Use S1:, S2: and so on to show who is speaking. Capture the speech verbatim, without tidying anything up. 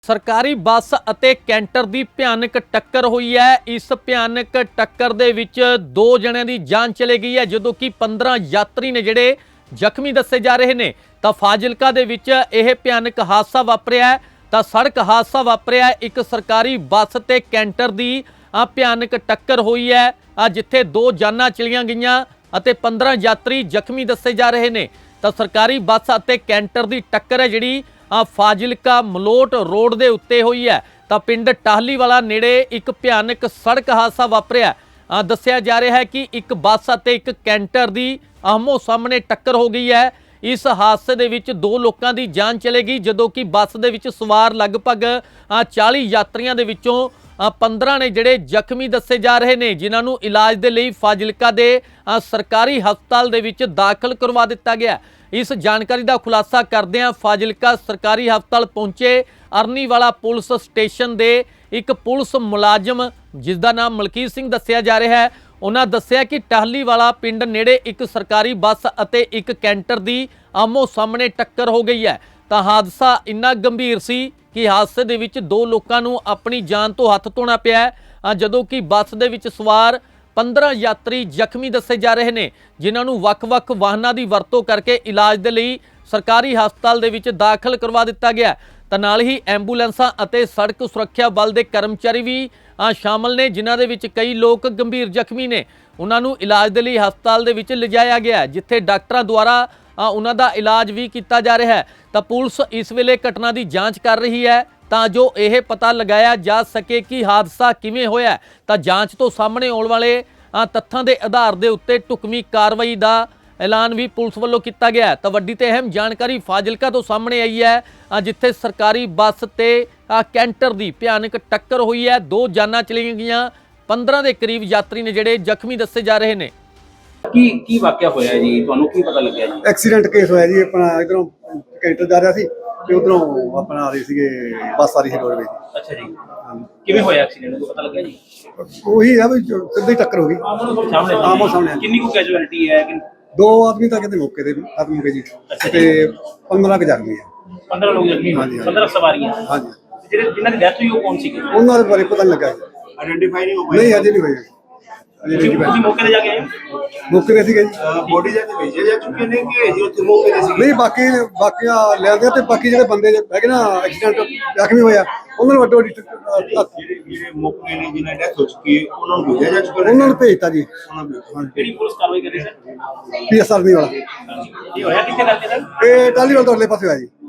S1: सरकारी बस ਅਤੇ ਕੈਂਟਰ ਦੀ ਭਿਆਨਕ ਟੱਕਰ ਹੋਈ ਹੈ। ਇਸ ਭਿਆਨਕ ਟੱਕਰ ਦੇ ਵਿੱਚ ਦੋ ਜਣਿਆਂ ਦੀ ਜਾਨ ਚਲੀ ਗਈ ਹੈ, ਜਦੋਂ ਕਿ ਪੰਦਰਾਂ ਯਾਤਰੀ ਨੇ ਜਿਹੜੇ ਜ਼ਖਮੀ ਦੱਸੇ ਜਾ ਰਹੇ ਨੇ। ਤਾਂ ਫਾਜ਼ਿਲਕਾ ਦੇ ਵਿੱਚ ਇਹ ਭਿਆਨਕ ਹਾਦਸਾ ਵਾਪਰਿਆ ਹੈ। ਤਾਂ ਸੜਕ ਹਾਦਸਾ ਵਾਪਰਿਆ ਹੈ, ਇੱਕ ਸਰਕਾਰੀ ਬੱਸ ਤੇ ਕੈਂਟਰ ਦੀ ਆ ਭਿਆਨਕ ਟੱਕਰ ਹੋਈ ਹੈ, ਆ ਜਿੱਥੇ ਦੋ ਜਾਨਾਂ ਚਲੀਆਂ ਗਈਆਂ ਅਤੇ ਪੰਦਰਾਂ ਯਾਤਰੀ ਜ਼ਖਮੀ ਦੱਸੇ ਜਾ ਰਹੇ ਨੇ। ਤਾਂ ਸਰਕਾਰੀ ਬੱਸ ਅਤੇ ਕੈਂਟਰ ਦੀ ਟੱਕਰ ਹੈ ਜਿਹੜੀ ਆ ਫਾਜ਼ਿਲਕਾ ਮਲੋਟ रोड ਦੇ ਉੱਤੇ ਹੋਈ ਹੈ। ਤਾਂ ਪਿੰਡ ਟਾਹਲੀਵਾਲਾ ਨੇੜੇ ਇੱਕ ਭਿਆਨਕ ਸੜਕ ਹਾਦਸਾ ਵਾਪਰਿਆ। ਆ ਦੱਸਿਆ ਜਾ ਰਿਹਾ ਹੈ ਕਿ ਇੱਕ ਬੱਸ ਅਤੇ ਇੱਕ ਕੈਂਟਰ ਦੀ ਆਹਮੋ ਸਾਹਮਣੇ ਟੱਕਰ ਹੋ ਗਈ ਹੈ। ਇਸ ਹਾਦਸੇ ਦੇ ਵਿੱਚ ਦੋ ਲੋਕਾਂ ਦੀ ਜਾਨ ਚਲੀ ਗਈ, ਜਦੋਂ ਕਿ ਬੱਸ ਦੇ ਵਿੱਚ ਸਵਾਰ ਲਗਭਗ ਚਾਲੀ ਯਾਤਰੀਆਂ ਦੇ ਵਿੱਚੋਂ ਪੰਦਰਾਂ ਨੇ ਜਿਹੜੇ ਜ਼ਖਮੀ ਦੱਸੇ ਜਾ ਰਹੇ ਨੇ, ਜਿਨ੍ਹਾਂ ਨੂੰ ਇਲਾਜ ਦੇ ਲਈ ਫਾਜ਼ਿਲਕਾ ਦੇ ਸਰਕਾਰੀ ਹਸਪਤਾਲ ਦੇ ਵਿੱਚ ਦਾਖਲ ਕਰਵਾ ਦਿੱਤਾ ਗਿਆ। इस जानकारी का खुलासा करदे फाजिलका सरकारी हस्पताल पहुंचे अरनीवाला पुलिस स्टेशन के एक पुलिस मुलाजम जिसका नाम मलकीत सिंह दस्सिया जा रहा है, उन्होंने दस्सिया कि टाहलीवाला पिंड नेड़े एक सरकारी बस और एक कैंटर की आमो सामने टक्कर हो गई है। तो हादसा इन्ना गंभीर सी कि हादसे दे विच दो लोगों को अपनी जान तो हथ धोना पिया, जदों कि बस दे विच सवार पंद्रह यात्री ਜ਼ਖਮੀ ਦੱਸੇ ਜਾ ਰਹੇ ਨੇ, ਜਿਨ੍ਹਾਂ ਨੂੰ ਵੱਖ-ਵੱਖ ਵਾਹਨਾਂ ਦੀ ਵਰਤੋਂ ਕਰਕੇ ਇਲਾਜ ਦੇ ਲਈ ਸਰਕਾਰੀ ਹਸਪਤਾਲ ਦੇ ਵਿੱਚ ਦਾਖਲ ਕਰਵਾ ਦਿੱਤਾ ਗਿਆ। ਤਾਂ ਨਾਲ ਹੀ ਐਂਬੂਲੈਂਸਾਂ ਅਤੇ ਸੜਕ ਸੁਰੱਖਿਆ ਬਲ ਦੇ ਕਰਮਚਾਰੀ ਵੀ ਸ਼ਾਮਲ ਨੇ, ਜਿਨ੍ਹਾਂ ਦੇ ਵਿੱਚ ਕਈ ਲੋਕ ਗੰਭੀਰ ਜ਼ਖਮੀ ਨੇ। ਉਹਨਾਂ ਨੂੰ ਇਲਾਜ ਦੇ ਲਈ ਹਸਪਤਾਲ ਦੇ ਵਿੱਚ ਲਿਜਾਇਆ ਗਿਆ, ਜਿੱਥੇ ਡਾਕਟਰਾਂ ਦੁਆਰਾ ਉਹਨਾਂ ਦਾ ਇਲਾਜ ਵੀ ਕੀਤਾ ਜਾ ਰਿਹਾ ਹੈ। ਤਾਂ ਪੁਲਿਸ ਇਸ ਵੇਲੇ ਘਟਨਾ ਦੀ ਜਾਂਚ ਕਰ ਰਹੀ ਹੈ ਤਾਂ ਜੋ ਇਹ ਪਤਾ लगाया जा सके कि हादसा किवें होया। तो जांच तो सामने आने वाले तत्थां के आधार के उत्ते ढुकवीं कार्रवाई का ऐलान भी पुलिस वालों किया गया। तो वड्डी ते अहम जानकारी फाजिलका तो सामने आई है, जिथे सरकारी बस ते कैंटर की भयानक टक्कर हुई है, दो जानां चलियां गईयां, पंद्रह के करीब यात्री ने जिहड़े जख्मी दस्से जा रहे हैं।
S2: की की वाकया होया जी, तुहानूं की पता लग्या जी?
S3: एक्सीडेंट केस होया जी। अपना इधरों कैंटर जा रहा सी ते उधरों अपना आ रही सी बस आ रही सी रोडवेज।
S2: अच्छा जी, किवें होया एक्सीडेंट, को पता लग्या जी?
S3: वही है भी सीधी टक्कर हो गई
S2: सामने
S3: आमो सामने।
S2: कितनी को कैजुअलिटी है कि
S3: दो आदमी तो कहते मौके ते खत्म हो गए जी, ते पंद्रह के जख्मी है।
S2: पंद्रह लोग जख्मी
S3: हाँ जी, हाँ जी।
S2: पंद्रह सवारियां।
S3: हाँ जी,
S2: ਜਿਹੜੇ ਜਿਨ੍ਹਾਂ ਦੀ ਡੈਥ ਹੋਈ ਉਹ ਕੌਣ ਸੀਗੇ?
S3: ਉਹਨਾਂ ਦੇ ਬਾਰੇ ਪਤਾ ਨਹੀਂ ਲੱਗਾ ਜੀ,
S2: ਆਇਡੈਂਟੀਫਾਈ ਨਹੀਂ ਹੋ ਪਾਇਆ।
S3: ਨਹੀਂ ਅਜੇ ਨਹੀਂ ਹੋਇਆ ਅਜੇ
S2: ਤੁਸੀਂ
S3: ਨਹੀਂ
S2: ਤੁਸੀਂ ਮੌਕੇ ਤੇ ਜਾ ਕੇ ਆਏ ਹੋ?
S3: ਮੌਕੇ ਤੇ ਸੀਗੇ ਜੀ।
S2: ਬੋਡੀ ਜਾ ਕੇ ਭੇਜੇ ਜਾ ਚੁੱਕੇ ਨੇ ਕਿ ਜੀ ਉੱਥੇ ਮੌਕੇ ਤੇ ਸੀਗੇ?
S3: ਨਹੀਂ ਬਾਕੀ ਬਾਕੀਆਂ ਲੈਂਦੇ ਤੇ ਬਾਕੀ ਜਿਹੜੇ ਬੰਦੇ ਹੈਗੇ ਨਾ ਐਕਸੀਡੈਂਟ ਜ਼ਖਮੀ ਹੋਇਆ ਉਹਨਾਂ ਨੂੰ ਵੱਡੋ ਵੱਡੀ
S2: ਜਿਹੜੇ ਜਿਹੜੇ ਮੌਕੇ ਨੇ ਜਿਨ੍ਹਾਂ ਡੈਥ ਹੋ ਚੁੱਕੀ ਹੈ ਉਹਨਾਂ ਨੂੰ ਭੇਜਿਆ ਜਾ ਚੁੱਕਾ?
S3: ਉਹਨਾਂ ਨੂੰ ਭੇਜਤਾ ਜੀ।
S2: ਕਿਹੜੀ ਪੁਲਿਸ ਕਾਰਵਾਈ ਕਰ ਰਹੀ ਸਰ?
S3: ਪੀ ਐਸ ਆਰ ਨਹੀਂ ਵਾਲਾ
S2: ਇਹ ਹੋਇਆ ਕਿੱਥੇ ਕਰਕੇ ਸਰ?
S3: ਇਹ ਟਾਹਲੀਵਾਲ ਤੋਂ ਅਗਲੇ ਪਾਸੇ ਹੋਇਆ ਜੀ।